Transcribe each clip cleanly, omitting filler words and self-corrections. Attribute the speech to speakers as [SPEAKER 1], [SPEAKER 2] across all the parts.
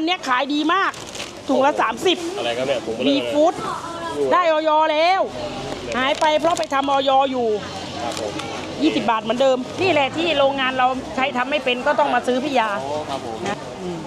[SPEAKER 1] เนี้ยขายดีมากถุงละ30
[SPEAKER 2] อะไรครับเนี่ยผม
[SPEAKER 1] มีฟู้ดได้ออยแล้วหายไปเพราะไปทำออยอยู่
[SPEAKER 2] ครับผม
[SPEAKER 1] 20 บาทเหมือนเดิมนี่แหละที่โรงงานเราใช้ทำไม่เป็นก็ต้องมาซื้อพี่ยา
[SPEAKER 2] ครับผม
[SPEAKER 1] นะ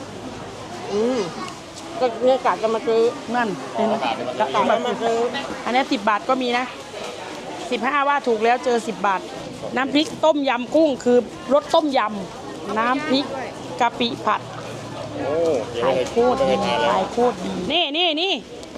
[SPEAKER 1] ก็เนี่ยกะจะมาซื้อนั่นกะมาซื้ออันนี้10 บาทก็มีนะ15ว่าถูกแล้วเจอ10 บาทน้ำพริกต้มยำกุ้งคือรสต้มยำน้ำพริกกะปิผัดขายโคตรดีขายโคตรดีนี่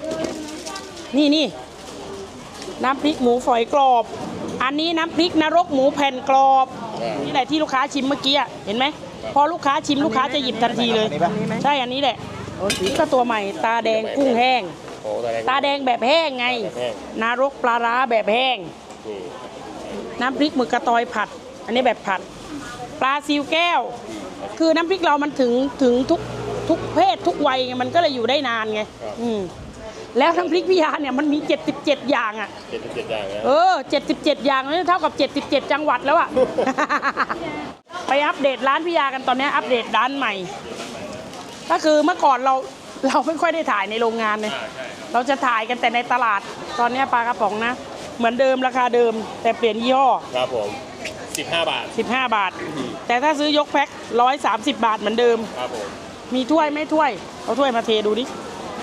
[SPEAKER 1] น้ำพริกหมูฝอยกรอบอันนี้น้ำพริกนรกหมูแผ่นกรอบนี่แหละที่ลูกค้าชิมเมื่อกี้เห็นไหมพอลูกค้าชิมลูกค้าจะหยิบทันทีเลยใช่อันนี้แหละก็ตัวใหม่ตาแดงกุ้งแห้งตาแดงแบบแห้งไงนรกปลาร้าแบบแห้งน้ำพริกหมึกกระตอยผัดอันนี้แบบผัดปลาซิวแก้วคือน้ำพริกเรามันถึงทุกเพศทุกวัยมันก็เลยอยู่ได้นานไงแล้วน้ำพริกพิยาเนี่ยมันมี77อย่างอ่ะ
[SPEAKER 2] 77อย่างนะ
[SPEAKER 1] 77อย่างนี่เท่ากับ77จังหวัดแล้วอ่ะ ไปอัปเดตร้านพิยากันตอนนี้อัปเดตร้านใหม่ก็คือเมื่อก่อนเราไม่ค่อยได้ถ่ายในโรงงานเลยเราจะถ่ายกันแต่ในตลาดตอนนี้ปลากระป๋องนะเหมือนเดิมราคาเดิมแต่เปลี่ยนยี่ห้อ
[SPEAKER 2] ครับผม15 บาท
[SPEAKER 1] 15 บาทแต่ถ้าซื้อยกแพ็ค130 บาทเหมือนเดิม
[SPEAKER 2] ครับผม
[SPEAKER 1] มีถ้วยไม่ถ้วยเอาถ้วยมาเทดูดิ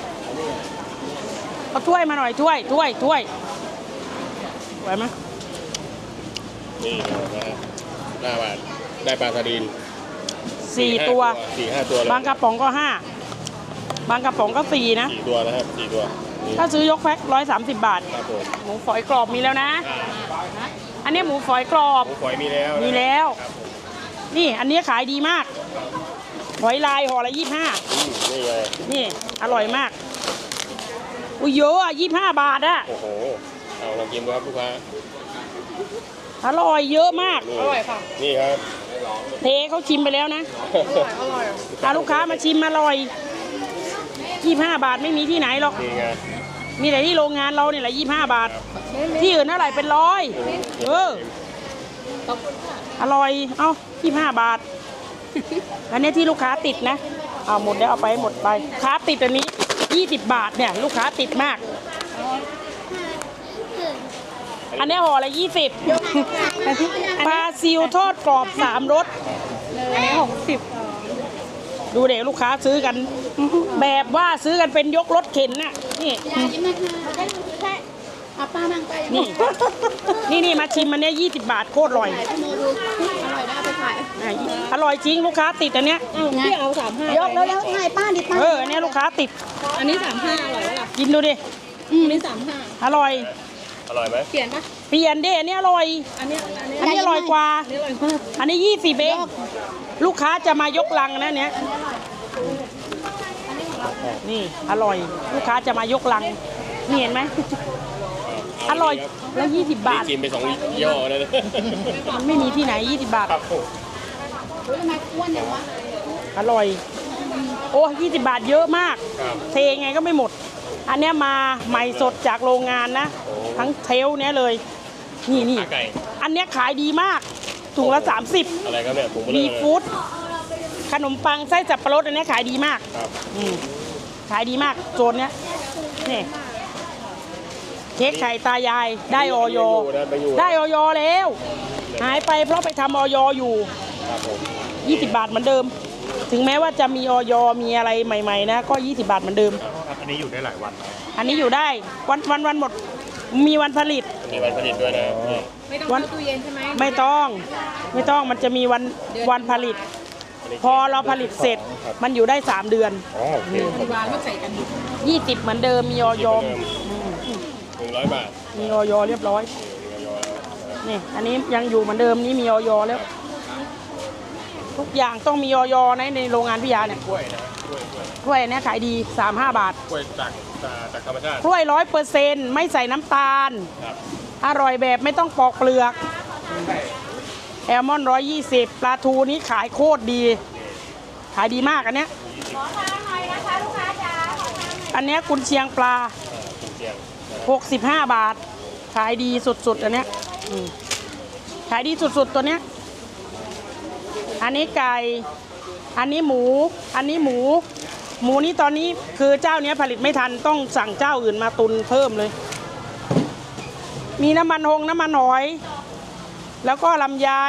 [SPEAKER 1] เอาถ้วยมาหน่อยถ้วยไหวไหม
[SPEAKER 2] นี่นะ5 บาทได้ปลาสลิด
[SPEAKER 1] 4 ตัว
[SPEAKER 2] 4-5 ตัว
[SPEAKER 1] บางกระป๋องก็5บางกระป๋องก็4นะ
[SPEAKER 2] 4 ตัวนะครับ4 ตัว
[SPEAKER 1] ถ้าซื้อยกแพ็ค130 บาท
[SPEAKER 2] ครับผม
[SPEAKER 1] หมูฝอยกรอบมีแล้วนะอันนี้หมูฝอยกรอบ
[SPEAKER 2] หมูฝอยมีแล้ว
[SPEAKER 1] นี่อันนี้ขายดีมากหอยลายห่อละ25
[SPEAKER 2] นี่เลย
[SPEAKER 1] นี่อร่อยมากอุ้ยเยอะอ่ะ25 บาทอ่ะ
[SPEAKER 2] โอ้โหเอาลองกินดูครับลูกค้า
[SPEAKER 1] อร่อยเยอะมาก
[SPEAKER 3] อร่อยค่ะ
[SPEAKER 2] นี่ครับ
[SPEAKER 1] เทเขาชิมไปแล้วนะ
[SPEAKER 3] อร่อย
[SPEAKER 1] ถ้าลูกค้ามาชิมอร่อย25 บาทไม่มีที่ไหนหรอกมีแต่ที่โรงงานเราเนี่ยแหละ25 บาทที่อื่นเท่าไหร่เป็น100อร่อยเอ้า25 บาทอันนี้ที่ลูกค้าติดนะเอาหมดแล้วเอาไปหมดไปค้าติดอันนี้20 บาทเนี่ยลูกค้าติดมากอันนี้ห่อละ20ปลาซิวทอดกรอบ3 รสอันนี้60ดูเด็กลูกค้าซื้อกันแบบว่าซื้อกันเป็นยกรถเข็นน่ะนี่นี่มาชิมมันเนี้ย20 บาทโคตรอร่อยอร่อยจริงลูกค้าติดอันเนี้ย
[SPEAKER 3] พี่เอา35ยกแล้วให้ป้าดิป้า
[SPEAKER 1] อันนี้ลูกค้าติด
[SPEAKER 3] อันนี้35อร่อยแล้วล่ะ
[SPEAKER 1] กินดูดิ
[SPEAKER 3] อันนี้35
[SPEAKER 1] อร่อย
[SPEAKER 2] ไหม
[SPEAKER 3] เปลี่ยนปะ
[SPEAKER 1] เปลี่ยนดิอันนี้อร่อยอันนี้อร่อยกว่าอันนี้20เองลูกค้าจะมายกลังนะเนี้ยนี่อร่อยลูกค้าจะมายกลังนี่เห็นไหมอร่อยแล้ว20 บาท
[SPEAKER 2] กินไป2 ย่อเลย
[SPEAKER 1] มันไม่มีที่ไหน20 บาท
[SPEAKER 3] ทำไมอ้วนอย่างวะ
[SPEAKER 1] อร่อยโอ้20 บาทเยอะมากเทไงก็ไม่หมดอันเนี้ยมาใหม่สดจากโรงงานนะทั้งเทลเนี้ยเลยนี่อันเนี้ยขายดีมากถุงละ30
[SPEAKER 2] อะไรครับเนี่ย
[SPEAKER 1] มีฟู้ดขนมปังไส้สับปะรดอันเนี้ยขายดีมากขายดีมากโซนเนี้ยนี่เค้กไข่ตายายได้ออยแล้วหายไปเพราะไปทำออยอยู่20 บาทเหมือนเดิมถึงแม้ว่าจะมีออยมีอะไรใหม่ๆนะก็20 บาทเหมือนเดิม
[SPEAKER 2] อันนี้อยู่ได้หลายวัน
[SPEAKER 1] อันนี้อยู่ได้วันหมดมีวันผลิต
[SPEAKER 2] ด้วยนะ
[SPEAKER 3] ไม่ต้องเข้าตู้เย็นใช่ไหม
[SPEAKER 1] ไม่ต้องมันจะมีวันผลิตพอเราผลิตเสร็จมันอยู่ได้3 เดือน
[SPEAKER 3] วางก็ใส่กัน
[SPEAKER 1] 20เหมือนเดิมมีออย
[SPEAKER 2] 100 บาท
[SPEAKER 1] มีออยเรียบร้อยนี่อันนี้ยังอยู่เหมือนเดิมนี่มีออยแล้วทุกอย่างต้องมีออยในโรงงานพิยาเนี่ยกล้วยเนี่ยขายดี35 บาท
[SPEAKER 2] กล้วยจากธรรมชาติ
[SPEAKER 1] กล้วย100%ไม่ใส่น้ำตาลอร่อยแบบไม่ต้องปอกเปลือกแอลมอนด์120ปลาทูนี้ขายโคตรดีขายดีมากอันเนี้ยอันเนี้ยกุนเชียงปลา65 บาทขายดีสุดๆอันเนี้ยขายดีสุดๆตัวเนี้ยอันนี้ไก่อันนี้หมูหมูนี้ตอนนี้คือเจ้าเนี้ยผลิตไม่ทันต้องสั่งเจ้าอื่นมาตุนเพิ่มเลย มีน้ำมันน้ำมันหอย แล้วก็ลำไย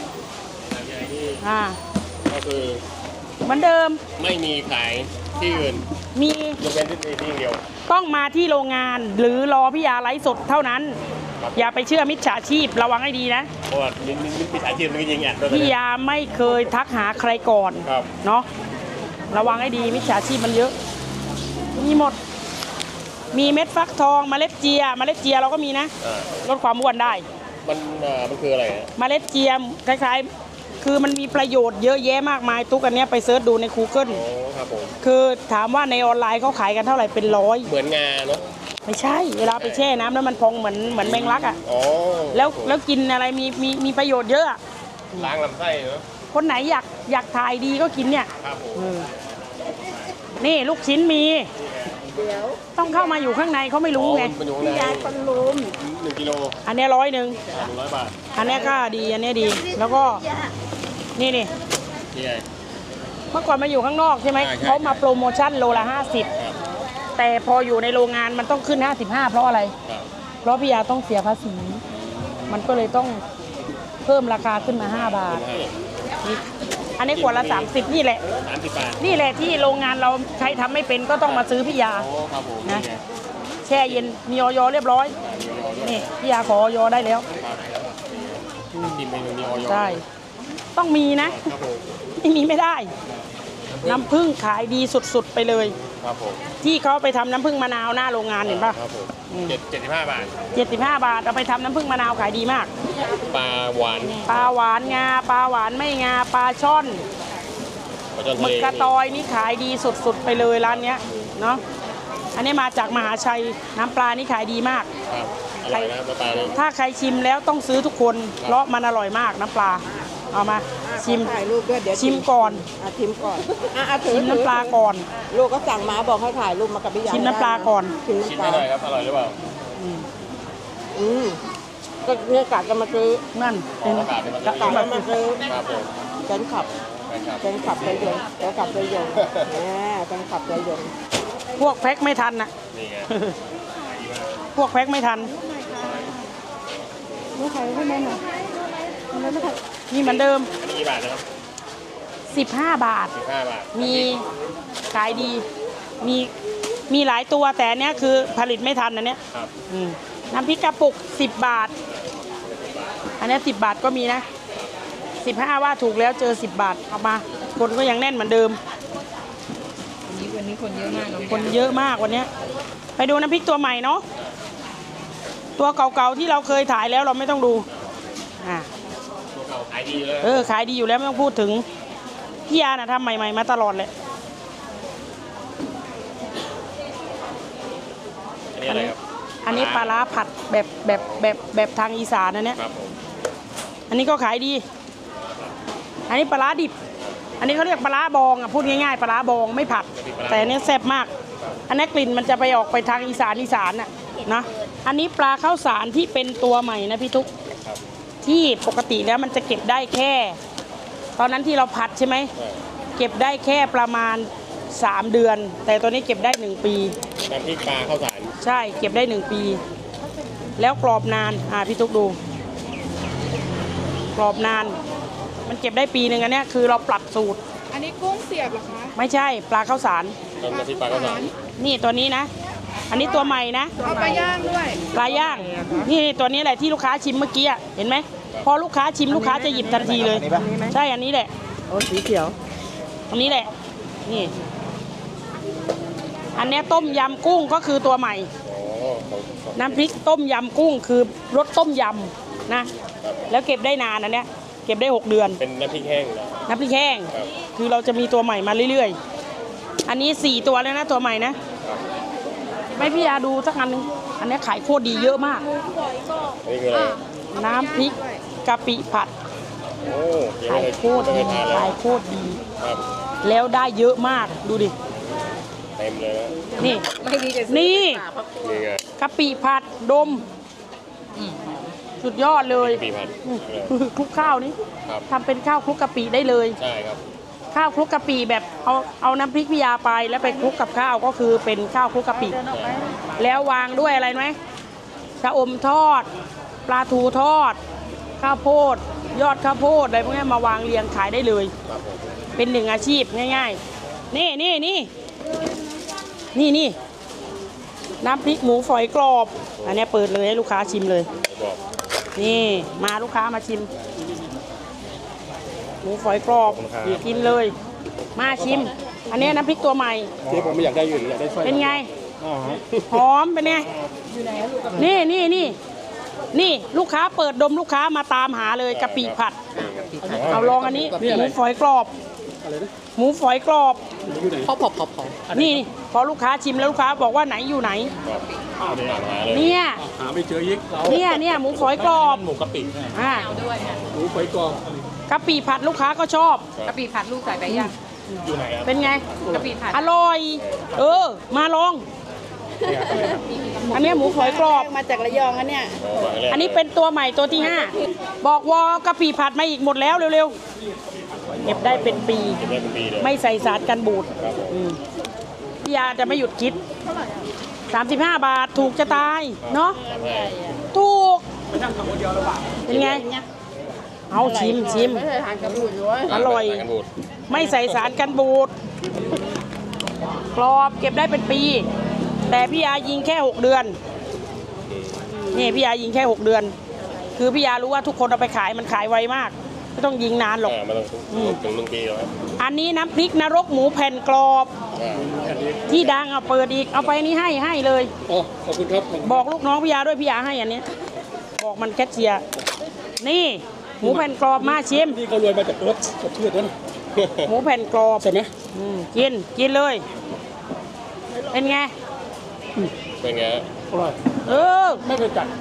[SPEAKER 2] ก็คือ
[SPEAKER 1] เหมือนเดิม
[SPEAKER 2] ไม่มีขายที่อื่น
[SPEAKER 1] มี
[SPEAKER 2] ยกเว้นที่เดียว
[SPEAKER 1] ต้องมาที่โรงงานหรือรอพี่ยาไลฟ์สดเท่านั้น อย่าไปเชื่อมิจฉาชีพระวังให้ดีนะ
[SPEAKER 2] เพราะว่ามีสายชีพจริงๆอ่ะ
[SPEAKER 1] พี่ยาไม่เคยทักหาใครก่อน
[SPEAKER 2] ครับ
[SPEAKER 1] เนาะระวังให้ดีมิจฉาชีพมันเยอะ มีหมด มีเม็ดฟักทองเมล็ดเจียเราก็มีนะ ลดความอ้วนได้
[SPEAKER 2] มันคืออะไรฮะ
[SPEAKER 1] เมล็ดเจียคล้ายๆคือมันมีประโยชน์เยอะแยะมากมายทุกอันเนี้ยไปเซิร์ชดูใน Google
[SPEAKER 2] โอ้ครับผม
[SPEAKER 1] คือถามว่าในออนไลน์เขาขายกันเท่าไหร่เป็นร้อย
[SPEAKER 2] เหมือนงาเนาะ
[SPEAKER 1] ไม่ใช่ เวลาไปแช่น้ำแล้วมันพองเหมือนแมงลักอ่ะ
[SPEAKER 2] อ๋อ
[SPEAKER 1] แล้วกินอะไรมีประโยชน์เยอะอะ
[SPEAKER 2] ล้างลำไส้เนาะ
[SPEAKER 1] คนไหนอยากถ่ายดีก็กินเนี่ย
[SPEAKER 2] ครับผม
[SPEAKER 1] นี่ลูกชิ้นมี ต้องเข้ามาอยู่ข้างในเขาไม่รู้ไง
[SPEAKER 2] มันอยู่ข้างใน
[SPEAKER 3] ยายคนลุม
[SPEAKER 2] 1 กิโล
[SPEAKER 1] อันเนี้ย100
[SPEAKER 2] 100 บาท
[SPEAKER 1] อันเนี้ยก็ดีอันเนี้ยดี แล้วก็นี่
[SPEAKER 2] นี่ไง
[SPEAKER 1] เมื่อก่อนมาอยู่ข้างนอกใช่ไหม
[SPEAKER 2] ใช่
[SPEAKER 1] เขามาโปรโมชั่นโลละ
[SPEAKER 2] ครับ
[SPEAKER 1] 50 แต่พออยู่ในโรงงานมันต้องขึ้น 55 เพราะอะไร
[SPEAKER 2] ครับ
[SPEAKER 1] เพราะพี่ยาต้องเสียภาษี มันก็เลยต้องเพิ่มราคาขึ้นมา5 บาทนี่อันนี้ขวดละ30นี่แหละ
[SPEAKER 2] 30 บาท
[SPEAKER 1] นี่แหละที่โรงงานเราใช้ทำไม่เป็นก็ต้องมาซื้อพี่ยา
[SPEAKER 2] โอ้ครับผม
[SPEAKER 1] นะ
[SPEAKER 2] นี่ไง
[SPEAKER 1] แช่เย็นมีออยเรียบร้อย นี่พี่ยาขอออยได้แล้ว
[SPEAKER 2] ครับกินเมนูนี้ออย
[SPEAKER 1] ใช่ ต้องมีนะ
[SPEAKER 2] ครับผม
[SPEAKER 1] ไม่มีไม่ได้ น้ำผึ้งขายดีสุดๆไปเลย
[SPEAKER 2] ครับผม
[SPEAKER 1] ที่เขาไปทำน้ำผึ้งมะนาวหน้าโรงงานเห็นปะ
[SPEAKER 2] ครับผม
[SPEAKER 1] อืม
[SPEAKER 2] 75 บาท
[SPEAKER 1] 75 บาทเอาไปทำน้ำผึ้งมะนาวขายดีมาก
[SPEAKER 2] ปลาหวาน
[SPEAKER 1] ปลาหวานงาปลาหวานไม่งาปลาช่อน
[SPEAKER 2] ปลาจอน
[SPEAKER 1] ห
[SPEAKER 2] ทะ
[SPEAKER 1] มึ
[SPEAKER 2] เล
[SPEAKER 1] กกระตอยนี่ขายดีสุดๆไปเลยร้านเนี้ยเนาะอันนี้มาจากมหาชัยน้ำปลานี่ขายดีมาก
[SPEAKER 2] ครับอร่อยนะปลาเนี่ย
[SPEAKER 1] ถ้าใครชิมแล้วต้องซื้อทุกคนเพราะมันอร่อยมากน้ำปลาเอามาชิม
[SPEAKER 3] ถ่ายรูปด้วยเดี๋ยว
[SPEAKER 1] ชิมก่อน
[SPEAKER 3] ชิมก่อนถือ
[SPEAKER 1] ชิมน้ำปลาก่อน
[SPEAKER 3] ลูกก็สั่งมาบอกให้ถ่ายรูปมากับพี่ยา
[SPEAKER 1] ชิมน้ำปลาก่อน
[SPEAKER 3] ชิม
[SPEAKER 2] ชิม
[SPEAKER 3] น้ำป
[SPEAKER 2] ให้
[SPEAKER 3] ลา
[SPEAKER 2] หน่อยครับ อร่อยหรือเปล่า
[SPEAKER 3] ก็เนี่ยกะจะมาซื้อ
[SPEAKER 1] นั่นเป็น
[SPEAKER 2] อากาศเป็น
[SPEAKER 3] กะจะมาซื้อ
[SPEAKER 2] ครับผม
[SPEAKER 3] แฟนคลับ
[SPEAKER 2] ครับ
[SPEAKER 3] แฟนคลับใจยงแฟนคลับใจยงแฟนคลับใจยง
[SPEAKER 1] พวกแพ็คไม่ทันน่ะ
[SPEAKER 2] นี่ไง
[SPEAKER 1] พวกแพ็คไม่ทัน
[SPEAKER 3] ลูกใครให้แม่หน่อยไม่ทัน
[SPEAKER 1] นี่เหมือนเดิม
[SPEAKER 2] อันนี้กี่บาทนะครับ
[SPEAKER 1] 15 บาท
[SPEAKER 2] 15 บาท
[SPEAKER 1] มีขายดี มีหลายตัวแต่อันเนี้ยคือผลิตไม่ทันอันเนี้ย
[SPEAKER 2] ครับ
[SPEAKER 1] น้ำพริกกระปุก10 บาท อันเนี้ย10 บาทก็มีนะ 15 ว่าถูกแล้วเจอ10 บาทเอามา คนก็ยังแน่นเหมือนเดิม
[SPEAKER 3] วันนี้คนเยอะมาก
[SPEAKER 1] คนเยอะมากวันเนี้ยไปดูน้ำพริกตัวใหม่เนาะ ตัวเก่าๆที่เราเคยถ่ายแล้วเราไม่ต้องดูอ่า
[SPEAKER 2] ตัวเก่าขายดีเลย
[SPEAKER 1] ขายดีอยู่แล้วไม่ต้องพูดถึงพี่ยาน่ะทำใหม่ๆมาตลอดเลย
[SPEAKER 2] อันนี้อะไรครับ
[SPEAKER 1] อันนี้ปลาร้าผัดแบบทางอีสานนะเนี่ย
[SPEAKER 2] ครับผม
[SPEAKER 1] อันนี้ก็ขายดี อันนี้ปลาร้าดิบ อันนี้เขาเรียกปลาร้าบองอ่ะพูดง่ายๆปลาร้าบองไม่ผัด แต่อันนี้แซ่บมาก อันนี้กลิ่นมันจะไปออกไปทางอีสานน่ะนะ อันนี้ปลาข้าวสารที่เป็นตัวใหม่นะพี่ทุก
[SPEAKER 2] ครับ
[SPEAKER 1] ที่ปกติแล้วมันจะเก็บได้แค่ ตอนนั้นที่เราผัดใช่ไหม
[SPEAKER 2] ใช่
[SPEAKER 1] เก็บได้แค่ประมาณ3 เดือน แต่ตัวนี้เก็บได้1 ปี
[SPEAKER 2] น้ำพริกปลาข้าวสาร
[SPEAKER 1] ใช่เก็บได้1 ปี แล้วกรอบนานพี่ทุกดู กรอบนาน มันเก็บได้ปีหนึ่งอันเนี้ยคือเราปรับสูตร
[SPEAKER 3] อันนี้กุ้งเสียบเหรอคะ
[SPEAKER 1] ไม่ใช่ปลาข้าวสาร
[SPEAKER 2] น้ำพริกปลาข้าวสาร
[SPEAKER 1] นี่ตัวนี้นะ อันนี้ตัวใหม่นะ
[SPEAKER 3] เอาปลาย่างด้วย
[SPEAKER 1] ปลาย่างนี่ตัวนี้แหละที่ลูกค้าชิมเมื่อกี้อะเห็นไหมพอลูกค้าชิมลูกค้าจะหยิบทันทีเลย ใช่อันนี้แหละ
[SPEAKER 3] โอ้สีเขียว
[SPEAKER 1] อันนี้แหละนี่ อันเนี้ยต้มยำกุ้งก็คือตัวใหม่
[SPEAKER 2] โอ้ของ
[SPEAKER 1] น้ำพริกต้มยำกุ้งคือรสต้มยำนะ แล้วเก็บได้นานอันเนี้ยเก็บได้6 เดือน
[SPEAKER 2] เป็นน้ำพริกแห้งนะ
[SPEAKER 1] น้ำพริกแห้ง
[SPEAKER 2] ครับ
[SPEAKER 1] คือเราจะมีตัวใหม่มาเรื่อยๆ อันนี้4 ตัวแล้วนะตัวใหม่นะ
[SPEAKER 2] ครับ
[SPEAKER 1] ไม่พี่ยาดูสักอันนึงอันนี้ขายโคตรดีเยอะมาก
[SPEAKER 2] อันนี้คืออะไร
[SPEAKER 1] น้ำพริกกะปิผัด
[SPEAKER 2] โอ้ยัง
[SPEAKER 1] ขา
[SPEAKER 2] ไม่
[SPEAKER 1] ย
[SPEAKER 2] เคย
[SPEAKER 1] โคตร
[SPEAKER 2] ไม่
[SPEAKER 1] ดี
[SPEAKER 2] เคยทานเลย
[SPEAKER 1] ขายโคตรดี
[SPEAKER 2] ครับ
[SPEAKER 1] แล้วได้เยอะมากดูดิ
[SPEAKER 2] เต็มเลยนะ
[SPEAKER 1] นี่
[SPEAKER 3] ไม่ดีจะ
[SPEAKER 1] นี่
[SPEAKER 2] นี่ไง
[SPEAKER 1] กะปิผัดดมสุดยอดเลย
[SPEAKER 2] ปีพัน
[SPEAKER 1] คลุกข้าวนี่
[SPEAKER 2] ครับ
[SPEAKER 1] ทำเป็นข้าวคลุกกะปิได้เลย
[SPEAKER 2] ใช่ครับ
[SPEAKER 1] ข้าวคลุกกะปิแบบเอาน้ำพริกพิยาไปแล้วไปคลุกกับข้าวก็คือเป็นข้าวคลุกกะปิแล้ววางด้วยอะไรไหมชะอมทอด ปลาทูทอด ข้าวโพด ยอดข้าวโพดอะไรพวกนี้มาวางเรียงขายได้เลย
[SPEAKER 2] ครับผม
[SPEAKER 1] เป็นหนึ่งอาชีพง่ายๆ นี่น้ำพริกหมูฝอยกรอบ อันนี้เปิดเลยให้ลูกค้าชิมเลย
[SPEAKER 2] บอก
[SPEAKER 1] นี่มาลูกค้ามาชิม หมูฝอยกรอบกินเลย มาชิม อันนี้น้ำพริกตัวใหม่
[SPEAKER 2] เจ๊ผมไม่อยากได้อยู่อยากได้สร้อย
[SPEAKER 1] เป็นไง
[SPEAKER 2] อ๋อ
[SPEAKER 1] หอมเป็นไง นี่ลูกค้าเปิดดมลูกค้ามาตามหาเลยกะปิผัด เอาลองอันนี้หมูฝอยกรอบ
[SPEAKER 2] อะไรนะ
[SPEAKER 1] หมูฝอยกรอบ
[SPEAKER 2] อยู่ไหน
[SPEAKER 3] พอ
[SPEAKER 1] นี่พอลูกค้าชิมแล้วลูกค้าบอกว่าไหนอยู่ไหน
[SPEAKER 2] ก็ตามหาเลย
[SPEAKER 1] เนี่ย
[SPEAKER 2] หาไม่เจอยิก
[SPEAKER 1] เนี่ยหมูฝอยกรอบ
[SPEAKER 2] หมูกะปิ
[SPEAKER 1] อ่า
[SPEAKER 2] หมูไฟกรอบ
[SPEAKER 1] กะปิผัดลูกค้าก็ชอบ
[SPEAKER 3] กะปิผัดลูกใส่ไปยัง
[SPEAKER 2] อยู่ไหนครับ
[SPEAKER 1] เป็นไง
[SPEAKER 3] กะปิผัด
[SPEAKER 1] อร่อย มาลอง อันนี้หมูฝอยกรอบ
[SPEAKER 3] มาจากระยองอันเนี้ย
[SPEAKER 1] อันนี้เป็นตัวใหม่ตัวที่ 5 บอกวอกะปิผัดมาอีกหมดแล้วเร็วๆ เก็บได้เป็นปี
[SPEAKER 2] เก็บได้เป็นปีเลย
[SPEAKER 1] ไม่ใส่สารกันบูด
[SPEAKER 2] ครับผม
[SPEAKER 1] พี่ยาจะไม่หยุดคิด 35 บาทถูกจะตาย เนาะ ถูก เป็นไง เอาชิม
[SPEAKER 3] ไม่เคยทานกระปุกเลย
[SPEAKER 1] อร่อย
[SPEAKER 2] กันบูด
[SPEAKER 1] ไม่ใส่สารกันบูด กรอบเก็บได้เป็นปี แต่พี่ยายิงแค่ 6 เดือน นี่พี่ยายิงแค่ 6 เดือน คือพี่ยารู้ว่าทุกคนเอาไปขายมันขายไวมาก ไม่ต้องยิงนานหรอก
[SPEAKER 2] มาต้องถึง1 ปีแล้วครับ
[SPEAKER 1] อันนี้น้ำพริกนรกหมูแผ่นกรอบ ที่ดังเอาเปิดอีก เอาไปนี่ให้เลย
[SPEAKER 2] อ๋อขอบคุณครับ
[SPEAKER 1] บอกลูกน้องพี่ยาด้วยพี่ยาให้อันนี้ บอกมันแคชเชียร์ นี่หมูแผ่นกรอบมาชิม
[SPEAKER 2] นี่เขารวยมาจากรถสดชื่นนะ
[SPEAKER 1] หมูแผ่นกรอบ
[SPEAKER 2] ใช่ไหม
[SPEAKER 1] กินเลย เป็นไง
[SPEAKER 2] เป็นไง
[SPEAKER 4] อร่อย
[SPEAKER 2] ไม่เคยจัด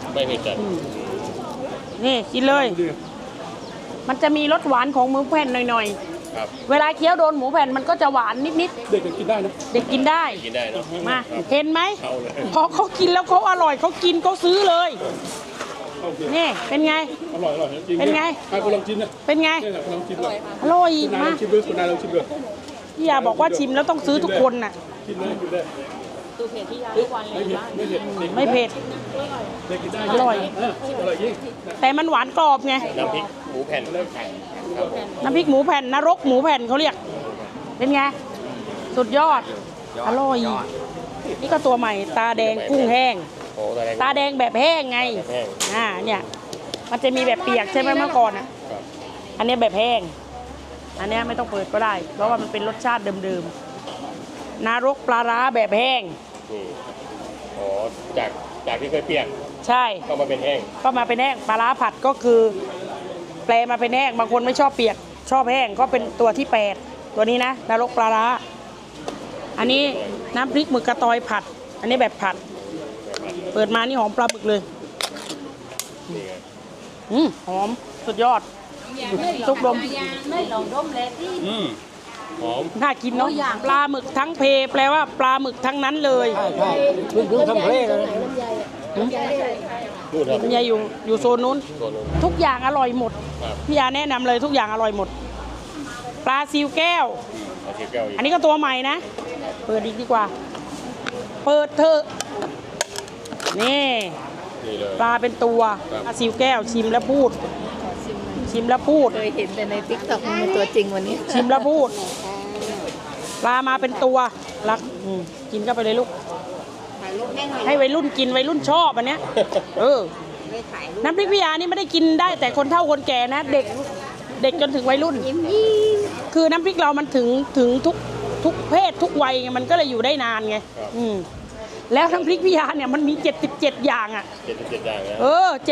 [SPEAKER 1] นี่กินเลย
[SPEAKER 4] ดี
[SPEAKER 1] มันจะมีรสหวานของหมูแผ่นหน่อย
[SPEAKER 2] ครับ
[SPEAKER 1] ๆ เวลาเคี้ยวโดนหมูแผ่นมันก็จะหวานนิด
[SPEAKER 4] เด็กก็กินได้นะ
[SPEAKER 1] ๆ เด็กกินได้
[SPEAKER 2] กินได้เนอะ
[SPEAKER 1] มา
[SPEAKER 2] ครับ
[SPEAKER 1] เห็นไหม
[SPEAKER 2] เอาเลย
[SPEAKER 1] พอเขากินแล้วเขาอร่อยเขากินเขาซื้อเลย
[SPEAKER 4] โอเค
[SPEAKER 1] นี่เป็นไง
[SPEAKER 4] อร่อยจริง
[SPEAKER 1] เป็นไง
[SPEAKER 4] ให้คุณลองชิมนะ
[SPEAKER 1] เป็นไง
[SPEAKER 4] นี่แหละคุณลองชิมเลย
[SPEAKER 1] อร่อย
[SPEAKER 4] คุณนายล
[SPEAKER 1] มา
[SPEAKER 4] องชิมด้วยคุณนายลองชิมด้วย
[SPEAKER 1] พี่ยาบอกว่าชิมแล้วต้องซื้อทุกคนน่ะ
[SPEAKER 4] ชิมเลยกินได้
[SPEAKER 3] ดูเพจที่ยาทุกวันเลย
[SPEAKER 4] ไม่เผ็ด
[SPEAKER 1] ไม่เผ็ด
[SPEAKER 4] เด็กกินได้
[SPEAKER 1] อร่อย
[SPEAKER 4] อร่อยยิ่ง
[SPEAKER 1] แต่มันหวานกรอบไง
[SPEAKER 2] น้ำพริกหมูแผ่นครับผม
[SPEAKER 1] น้ำพริกหมูแผ่นนรกหมูแผ่นเขาเรียก เป็นไง สุดยอด อร่อย นี่ก็ตัวใหม่ตาแดงกุ้งแห้ง
[SPEAKER 2] โอ้แดง
[SPEAKER 1] ตาแดงแบบแห้งไง
[SPEAKER 2] แบบแห้ง
[SPEAKER 1] เนี่ย มันจะมีแบบเปียกใช่ไหมเมื่อก่อนอ่ะ
[SPEAKER 2] ครับ
[SPEAKER 1] อันนี้แบบแห้ง อันนี้ไม่ต้องเปิดก็ได้ เพราะว่ามันเป็นรสชาติเดิมๆนรกปลาร้าแบบแห้ง
[SPEAKER 2] นี่อ๋อจากที่เคยเปียก
[SPEAKER 1] ใช่
[SPEAKER 2] ก็มาเป็นแห้ง
[SPEAKER 1] ก็มาเป็นแห้งปลาร้าผัดก็คือ แปลมาเป็นแห้งบางคนไม่ชอบเปียก ชอบแห้งก็เป็นตัวที่ 8 ตัวนี้นะนรกปลาร้าอันนี้น้ำพริกหมึกกระตอยผัด อันนี้แบบผัด เปิดมานี่หอมปลาหมึกเลย
[SPEAKER 2] นี่ไง
[SPEAKER 1] หอมสุดยอดทุกดม
[SPEAKER 3] ไม่ลองดมเลยที่
[SPEAKER 2] หอม
[SPEAKER 1] น่ากินเนาะปลาหมึกทั้งเพแปลว่าปลาหมึกทั้งนั้นเลย
[SPEAKER 4] เพิ่งทำเพลงเลย
[SPEAKER 2] นู่นครับ
[SPEAKER 1] คุณยายอยู่โซนนู้น
[SPEAKER 2] ตัวนู้น
[SPEAKER 1] ทุกอย่างอร่อยหมด
[SPEAKER 2] ครับ
[SPEAKER 1] พี่ยาแนะนำเลยทุกอย่างอร่อยหมด ปลาซิวแก้ว
[SPEAKER 2] เอาชิแก้วอีก
[SPEAKER 1] อันนี้ก็ตัวใหม่นะ เปิดอีกดีกว่า เปิดเถอะนี่
[SPEAKER 2] นี่เลย
[SPEAKER 1] ปลาเป็นตัว
[SPEAKER 2] ครับ
[SPEAKER 1] ปลาซิวแก้วชิมแล้วพูด ชิมแล้วพูด
[SPEAKER 3] เคยเห็นแต่ในติ๊กต็อกมันเป็นตัวจริงวันนี้
[SPEAKER 1] ชิมแล้วพูด ปลามาเป็นตัวรักกินเข้าไปเลยลูก
[SPEAKER 3] ถ่ายรูปให้หน่อย
[SPEAKER 1] ให้วัยรุ่นกินวัยรุ่นชอบอันเนี้ย
[SPEAKER 3] ไม่ถ่ายรูป
[SPEAKER 1] น้ำพริกพิยานี่ไม่ได้กินได้แต่คนเฒ่าคนแก่นะ เด็กจนถึงวัยรุ่น
[SPEAKER 3] ยิ้ม
[SPEAKER 1] คือน้ำพริกเรามันถึงทุกเพศทุกวัยไงมันก็เลยอยู่ได้นานไงแล้วน้ำพริกพิยาเนี่ยมันมี 77 อย่างอ่ะ
[SPEAKER 2] 77อย่างนะ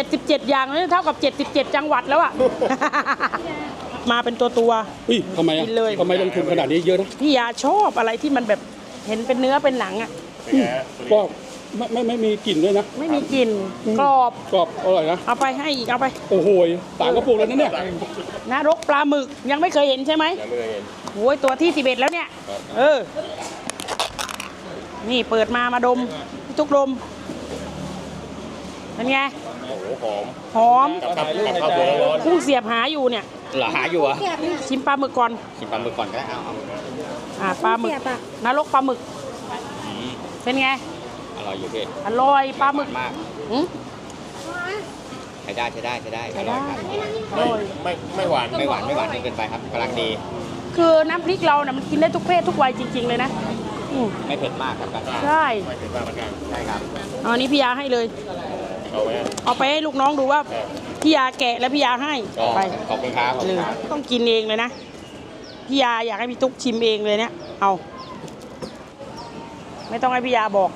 [SPEAKER 1] 77 อย่างนี่เท่ากับ 77 จังหวัดแล้วอ่ะ มาเป็นตัว
[SPEAKER 4] อุ้ยทำไมอ่ะ
[SPEAKER 1] กินเลย
[SPEAKER 4] ทำไมลงทุนขนาดนี้เยอะนะ
[SPEAKER 1] พี่ยาชอบอะไรที่มันแบบเห็นเป็นเนื้อเป็นหนังอ่ะ
[SPEAKER 2] เป็นไงฮะ
[SPEAKER 4] ก็ไม่มีกลิ่นด้วยนะ
[SPEAKER 1] ไม่มีกลิ่นกรอบ
[SPEAKER 4] กรอบอร่อยนะ
[SPEAKER 1] เอาไปให้อีกเอาไป
[SPEAKER 4] โอ้โหต่างกระปุกแล้วนะเนี่ย
[SPEAKER 1] นรกปลาหมึกยังไม่เคยเห็นใช่ไหม
[SPEAKER 2] ยังไม่เคยเห็น
[SPEAKER 1] โอ้ยตัวที่ 11 แล้วเนี่ย
[SPEAKER 2] ครับ
[SPEAKER 1] นี่เปิดมาดมทุกดม เเป็นไง
[SPEAKER 2] โอ้โหหอม
[SPEAKER 1] หอม
[SPEAKER 2] กับข้าวสวยร้อน
[SPEAKER 1] กุ้งเสียบหาอยู่เนี่ย
[SPEAKER 5] เหรอหาอยู่เหรอ่ะ
[SPEAKER 1] ชิมปลาหมึกก่อน
[SPEAKER 5] ชิมปลาหมึกก่อนก็ได้เอา
[SPEAKER 1] ปลาหมึกนรกปลาหมึก เป็นไง
[SPEAKER 5] อร่อยอยู่พี่
[SPEAKER 1] อร่อยปลาหมึก
[SPEAKER 5] มาก
[SPEAKER 1] อืม
[SPEAKER 5] ใช้ได้ใช้ได้ใช้ได้
[SPEAKER 1] ใช้
[SPEAKER 5] อ
[SPEAKER 1] ได้
[SPEAKER 5] ร่อยครับ
[SPEAKER 2] ไม่หวาน
[SPEAKER 5] ไม่หวานไม่หวานจนเกินไปครับกำลังดี
[SPEAKER 1] คือน้ำพริกเราเนี่ยมันกินได้ทุกเพศทุกวัยจริง ๆ เลยนะอืม
[SPEAKER 5] ไม่เผ็ดมากครับกัน
[SPEAKER 1] ใช่
[SPEAKER 2] ไม่ถึงว่าเหมือนกัน
[SPEAKER 5] ใช่ครับ
[SPEAKER 1] เอาอันนี้พี่ยาให้เลย
[SPEAKER 2] เอาไหม
[SPEAKER 1] เอาไปให้ลูกน้องดูว่าพี่ยาแกะแล้วพี่ยาให้
[SPEAKER 5] ก็
[SPEAKER 1] ไป
[SPEAKER 5] ขอบคุณครับขอบ
[SPEAKER 1] เล
[SPEAKER 5] คุณ
[SPEAKER 1] ย
[SPEAKER 5] ครับ
[SPEAKER 1] ต้องกินเองเลยนะพี่ยาอยากให้พี่ตุ๊กชิมเองเลยเนี่ยเอาไม่ต้องให้พี่ยาบอก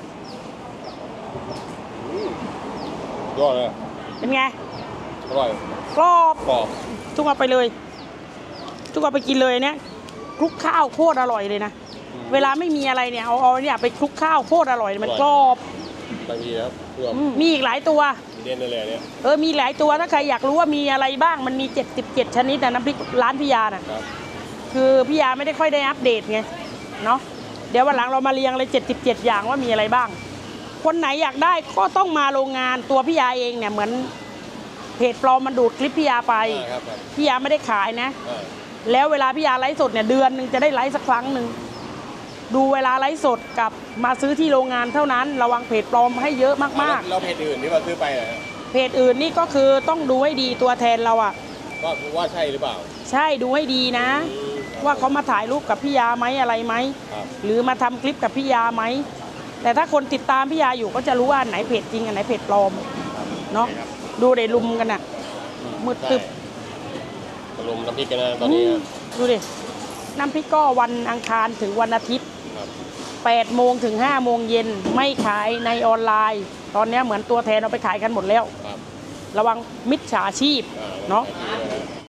[SPEAKER 2] ยอดเลย
[SPEAKER 1] เป็นไง
[SPEAKER 2] อร่อย
[SPEAKER 1] กรอบ
[SPEAKER 2] กรอบ
[SPEAKER 1] ทุกเอาไปเลยทุกเอาไปกินเลยเนี่ยคลุกข้าวโคตรอร่อยเลยนะเวลาไม่มีอะไรเนี่ยเอาเนี่ยไปคลุกข้าวโคตรอร่อยมันกรอบบ
[SPEAKER 2] างทีครับเพื่อ
[SPEAKER 1] มีอีกหลายตัว
[SPEAKER 2] เด่นเลยเนี่ย
[SPEAKER 1] มีหลายตัวถ้าใครอยากรู้ว่ามีอะไรบ้างมันมี77ชนิดนะน้ำพริกร้านพี่ยาน่ะ
[SPEAKER 2] ครับ
[SPEAKER 1] คือพี่ยาไม่ได้ค่อยได้อัปเดตไงเนาะเดี๋ยววันหลังเรามาเรียงเลย77อย่างว่ามีอะไรบ้าง คนไหนอยากได้ก็ต้องมาโรงงานตัวพี่ยาเองเนี่ยเหมือนเพจปลอมมันดูดคลิปพี่ยาไป
[SPEAKER 2] ครับ
[SPEAKER 1] พี่ยาไม่ได้ขายนะ แล้วเวลาพี่ยาไลฟ์สดเนี่ยเดือนหนึ่งจะได้ไลฟ์สักครั้งหนึ่งดูเวลาไลฟ์สดกับมาซื้อที่โรงงานเท่านั้นระวังเพจปลอมให้เยอะมาก
[SPEAKER 2] เราเพจอื่นที่เราซื้อไปนะ
[SPEAKER 1] ๆเพจอื่นนี่ก็คือต้องดูให้ดีตัวแทนเราอะ
[SPEAKER 2] ว่าใช่หรือเปล่า
[SPEAKER 1] ใช่ดูให้ดีนะ ว่าเขามาถ่ายรูปกับพี่ยาไหมอะไรไหม
[SPEAKER 2] ครับ
[SPEAKER 1] หรือมาทำคลิปกับพี่ยาไหมแต่ถ้าคนติดตามพี่ยาอยู่ก็จะรู้ว่าอันไหนเพจจริงอันไหนเพจปลอมเนาะดูเดี๋ยวลุมกันน่ะมืดตึบ
[SPEAKER 2] มารุมน้ำพริกกันนะตอนนี้
[SPEAKER 1] ดูดิน้ำพริกก็วันอังคารถึงวันอาทิตย์
[SPEAKER 2] ครับ
[SPEAKER 1] 8 โมงถึง 5 โมงเย็นไม่ขายในออนไลน์ ตอนนี้เหมือนตัวแทนเอาไปขายกันหมดแล้ว
[SPEAKER 2] ครับ
[SPEAKER 1] ระวังมิจฉาชีพเนาะ
[SPEAKER 2] เ